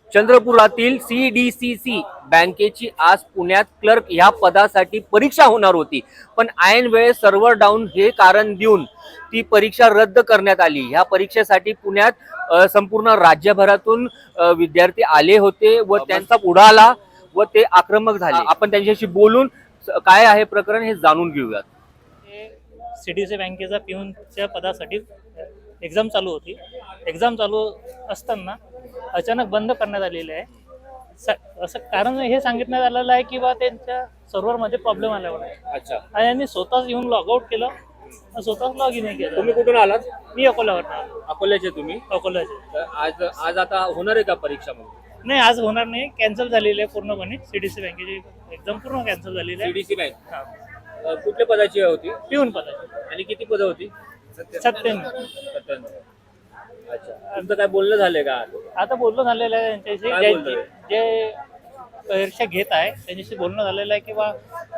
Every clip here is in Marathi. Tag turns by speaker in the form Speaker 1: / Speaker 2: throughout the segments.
Speaker 1: चंद्रपुरातील CDCC बँकेची आज पुण्यात क्लर्क ह्या पदासाठी परीक्षा होणार होती, पण ऐन वेळेस सर्व्हर डाऊन हे कारण देऊन ती परीक्षा रद्द करण्यात आली। ह्या परीक्षेसाठी पुण्यात संपूर्ण राज्यभरातून विद्यार्थी आले होते व त्यांचा उडाला व ते आक्रमक झाले। आपण त्यांच्याशी बोलून काय आहे प्रकरण हे जाणून घेऊयात।
Speaker 2: CDCC बँकेचा पिऊनच्या पदासाठी एक्झाम चालू होती। एक्झाम चालू असताना अचानक बंद करण्यात आलेले आहे। असं कारण हे सांगितण्यात आलेलं आहे की बा त्यांच्या सर्व्हरमध्ये प्रॉब्लेम आल्यावर आहे।
Speaker 1: अच्छा,
Speaker 2: आणि यांनी स्वतःच येऊन लॉग आउट केलं, स्वतःच लॉग इन केलं।
Speaker 1: तुम्ही कुठून आलात?
Speaker 2: मी अकोल्यावर आलो।
Speaker 1: अकोल्याचे तुम्ही?
Speaker 2: अकोल्याचे।
Speaker 1: आज आता होणार आहे का परीक्षा? मग
Speaker 2: नाही, आज होणार नाही, कॅन्सल झालेली आहे पूर्णपणे। CDCC बँकेची एक्झाम पूर्ण कॅन्सल झालेली आहे।
Speaker 1: CDCC बँक कुठल्या पदाची होती?
Speaker 2: पिऊन पदाची।
Speaker 1: आणि किती पदं होती?
Speaker 2: 97।
Speaker 1: अच्छा, तुमचं काय बोलणं झालंय का?
Speaker 2: आता बोलणं झालेलं आहे
Speaker 1: काय
Speaker 2: त्यांच्याशी,
Speaker 1: बोलतोय?
Speaker 2: जे परीक्षा घेत आहे त्यांच्याशी बोलणं झालेलं आहे की बा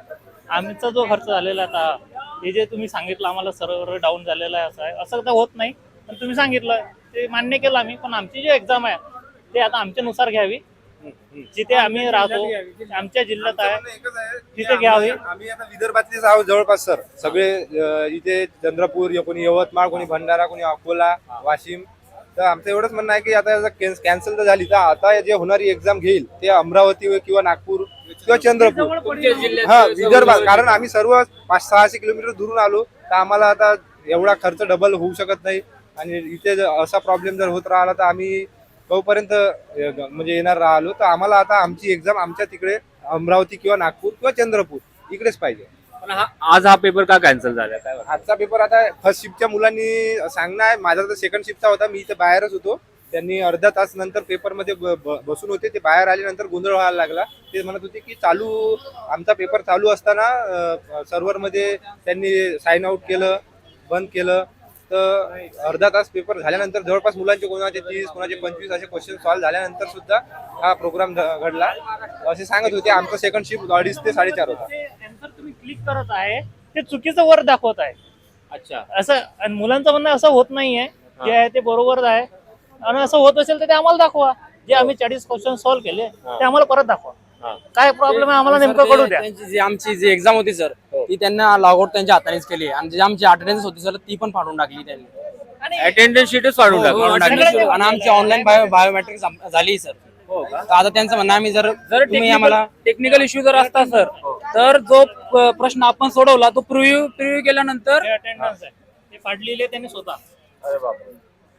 Speaker 2: आमचा जो खर्च झालेला आता हे जे तुम्ही सांगितलं आम्हाला सर्व्हर डाऊन झालेला आहे, असं आहे, असं तर होत नाही, पण तुम्ही सांगितलं ते मान्य केलं आम्ही, पण आमची जी एक्झाम आहे ते आता आमच्यानुसार घ्यावी, जिथे आम्ही राहतो आमच्या जिल्ह्यात आहे तिथे घ्यावी।
Speaker 3: आम्ही आता विदर्भातलेच आहोत जवळपास सर, सगळे इथे चंद्रपूर, कोणी यवतमाळ, कोणी भंडारा, कोणी अकोला, वाशिम। तर आमचं एवढंच म्हणणं आहे की आता कॅन्सल तर झाली, तर आता जे होणारी एक्झाम घेईल ते अमरावती किंवा नागपूर किंवा चंद्रपूर, हा विदर्भात, कारण आम्ही सर्व 500-600 किलोमीटर दुरून आलो, तर आम्हाला आता एवढा खर्च डबल होऊ शकत नाही। आणि इथे असा प्रॉब्लेम जर होत राहिला तर आम्ही तोपर्यंत म्हणजे येणार राहिलो, तर आम्हाला आता आमची एक्झाम आमच्या तिकडे अमरावती किंवा नागपूर किंवा चंद्रपूर इकडेच पाहिजे।
Speaker 1: पण आज हा पेपर का कॅन्सल झाला? काय
Speaker 3: आजचा पेपर आता फर्स्ट शिफ्टच्या मुलांनी सांगणं आहे, माझा तर सेकंड शिफ्टचा होता, मी इथे बाहेरच होतो, त्यांनी अर्धा तास नंतर पेपरमध्ये बसून होते, ते बाहेर आल्यानंतर गोंधळ व्हायला लागला। ते म्हणत होते की आमचा पेपर चालू असताना सर्व्हरमध्ये त्यांनी साइन आउट केलं, बंद केलं, तर अर्धा तास पेपर झाल्यानंतर जवळपास मुलांचे कोणाचे 30 कोणाचे 25 असे क्वेश्चन सॉल्व्ह झाल्यानंतर सुद्धा हा प्रोग्राम घडला असे सांगत होते। आमचं सेकंड शिफ्ट 2:30 ते 4:30 होता।
Speaker 2: आन्सर तुम्ही क्लिक करत आहे ते चुकीचं वर दाखवत आहे।
Speaker 1: अच्छा,
Speaker 2: असं, आणि मुलांचं म्हणणं असं होत नाहीये, जे आहे ते बरोबर आहे, आणि असं होत असेल तर ते आम्हाला दाखवा। जे आम्ही 40 क्वेश्चन सॉल्व्ह केले ते आम्हाला परत दाखवा। काय प्रॉब्लेम आहे आम्हाला नेमकं कळू द्या।
Speaker 4: आमची जी एक्झाम होती सर, ती त्यांना लॉगआउट त्यांच्या हातानेच केली, आणि जी आमची अटेंडन्स होती सर ती पण फाडून टाकली त्यांनी।
Speaker 1: अटेंडन्स शीटच फाडून टाकली
Speaker 4: आणि आमची ऑनलाईन बायोमेट्रिक झाली सर। तर आता त्यांचं म्हणणं आम्ही जर तुम्ही आम्हाला टेक्निकल इश्यू जर असता सर, तर जो प्रश्न आपण सोडवला तो प्रिव्ह्यू केल्यानंतर
Speaker 2: अटेंडन्स आहे ते फाडलेले त्यांनी स्वतः।
Speaker 1: अरे बापरे,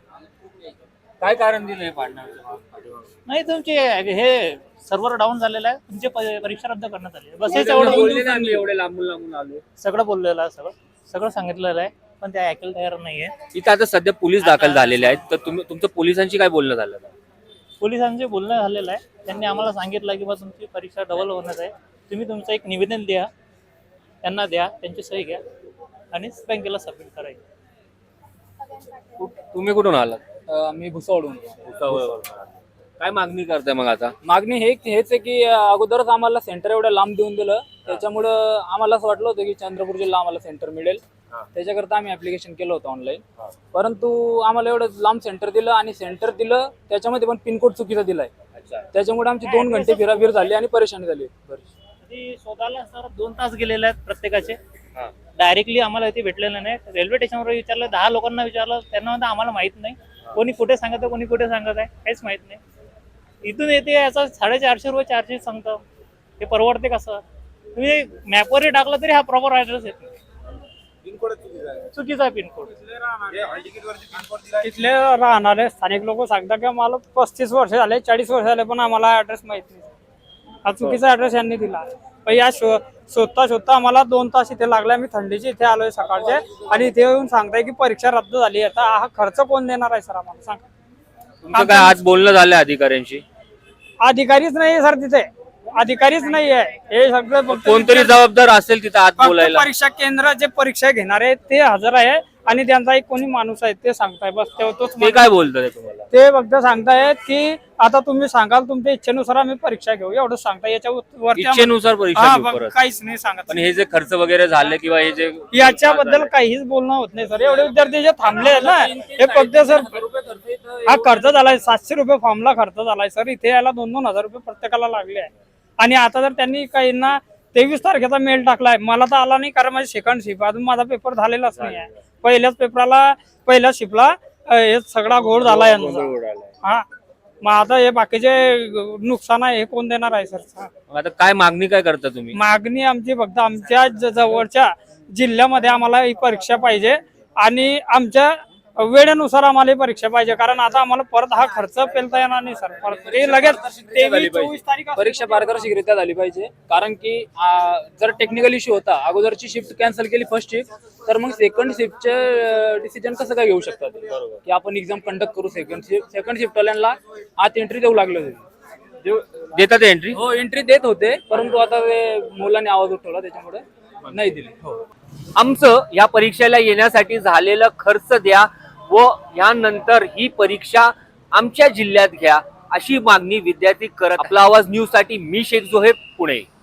Speaker 1: काय कारण दिलं हे फाडण्याचं?
Speaker 2: नाही, तुमचे हे सर्व्हर डाऊन झालेलं आहे, तुमची परीक्षा रद्द करण्यात आली, बस हेच
Speaker 1: बोलले
Speaker 2: एवढं
Speaker 1: ना, आम्ही एवढे लांबून आलो,
Speaker 2: सगळं बोललेलं आहे, सगळं सांगितलेलं आहे, पण ते ऐकायला तयार नाहीये।
Speaker 1: इथं आता सध्या पोलीस दाखल झालेले आहेत, तर तुमचं पोलिसांशी काय बोलणं झालं?
Speaker 2: पोलिसांचे बोलणं झालेलं आहे, त्यांनी आम्हाला सांगितलं की बा तुमची परीक्षा डबल होणार आहे, तुम्ही तुमचं एक निवेदन द्या, त्यांना द्या, त्यांची सही घ्या आणि बँकेला सबमिट करायचं।
Speaker 1: तुम्ही कुठून आलात?
Speaker 4: मी भुसावळून।
Speaker 1: काय मागणी करताय मग आता?
Speaker 4: मागणी हेच आहे की अगोदरच आम्हाला सेंटर एवढं लांब देऊन दिलं, त्याच्यामुळं आम्हाला असं वाटलं होतं की चंद्रपूर जिल्हा आम्हाला सेंटर मिळेल, त्याच्याकरता आम्ही ऍप्लिकेशन केलं होतं ऑनलाईन, परंतु आम्हाला एवढं लांब सेंटर दिलं, आणि सेंटर दिलं त्याच्यामध्ये पण पिनकोड चुकीचा दिलाय, त्याच्यामुळे आमची 2 घंटे फिराफिर झाली आणि परेशानी झाली।
Speaker 2: शोधायला सर 2 तास गेलेले आहेत प्रत्येकाचे, डायरेक्टली आम्हाला इथे भेटलेलं नाही। रेल्वे स्टेशनवर विचारलं, 10 लोकांना विचारलं, त्यांना म्हणतात आम्हाला माहित नाही, कोणी कुठे सांगत आहे कोणी कुठे सांगत आहे काहीच माहित नाही। इथून येते याचा 450 चार्जेस सांगतो, ते परवडते कसं? तुम्ही मॅपवरही टाकलं तरी हा प्रॉपर ऍड्रेस येत नाही, चुकीचा पिनकोड।
Speaker 5: तिथले राहणारे स्थानिक लोक सांगतात की आम्हाला 35 वर्ष झाले, 40 वर्ष झाले, पण आम्हाला ऍड्रेस माहित नाही, हा चुकीचा ऍड्रेस यांनी दिला। पण या शोधता आम्हाला 2 तास इथे लागले, आम्ही थंडीचे इथे आलोय सकाळचे, आणि इथे येऊन सांगताय की परीक्षा रद्द झाली। आता हा खर्च कोण देणार आहे सर आम्हाला, सांगा?
Speaker 1: तुमचं काय आज बोलणं झालं अधिकाऱ्यांशी?
Speaker 5: अधिकारीच नाही सर, तिथे अधिकारीच नाही आहे, हे सगळं
Speaker 1: कोणतरी जबाबदार असेल तिथे आत बोलायला?
Speaker 5: परीक्षा केंद्र जे परीक्षा घेणार आहे ते हजर आहे, आणि त्यांचा एक कोणी माणूस आहे ते सांगताय, बस तोच।
Speaker 1: ते काय बोलतोय तुम्हाला?
Speaker 5: ते फक्त सांगतायत की आता तुम्ही सांगाल तुमच्या इच्छेनुसार आम्ही परीक्षा घेऊ, एवढंच सांगताय, याच्यावर
Speaker 1: इच्छेनुसार परीक्षा घेऊ परत?
Speaker 5: काहीच नाही सांगत।
Speaker 1: पण हे जे खर्च वगैरे झाले किंवा हे जे
Speaker 5: याच्याबद्दल काहीच बोलणं होत नाही सर, एवढे विद्यार्थी जे थांबले ना, हे फक्त सर हा खर्च झालाय 700 रुपये फॉर्मला खर्च झालाय सर. इथे यायला 2,000 रुपये प्रत्येकाला लागले आहे. आणि आता जर त्यांनी काहींना 23 तारखेचा मेल टाकलाय, मला तर आला नाही कारण माझी सेकंड शिफ्ट अजून माझा पेपर झालेलाच नाही आहे. पहिल्या शिफ्टला हे सगळा घोळ झाला यांचा. हा मग आता हे बाकीचे नुकसान आहे हे कोण देणार आहे सर?
Speaker 1: मग आता काय मागणी काय करता तुम्ही?
Speaker 5: मागणी आमची फक्त आमच्या जवळच्या जिल्ह्यामध्ये आम्हाला ही परीक्षा पाहिजे आणि आमच्या वेळेनुसार आम्हाला ही परीक्षा पाहिजे, कारण आता आम्हाला परत हा खर्च पेलता येणार नाही सर. परत ते लगेच 23-24 तारीख
Speaker 4: परीक्षा पारदर्शकरित्या झाली पाहिजे. कारण की जर टेक्निकल इश्यू होता, अगोदरची शिफ्ट कॅन्सल केली फर्स्ट शिफ्ट, तर मग सेकंड शिफ्टचे डिसिजन कसं काय घेऊ शकतात की आपण एक्झाम कंडक्ट करू सेकंड शिफ्ट वाल्यांना आत एंट्री देऊ लागले होते.
Speaker 1: देतात एंट्री?
Speaker 4: हो एंट्री देत होते, परंतु आता ते मुलांनी आवाज उठवला त्याच्यामुळे नाही दिली. हो
Speaker 1: आमचं या परीक्षेला येण्यासाठी झालेला खर्च द्या व यानंतर ही परीक्षा आमच्या जिल्ह्यात घ्या अशी मागणी विद्यार्थी करत. आपला आवाज न्यूज साठी मी शेख जोहेब, पुणे.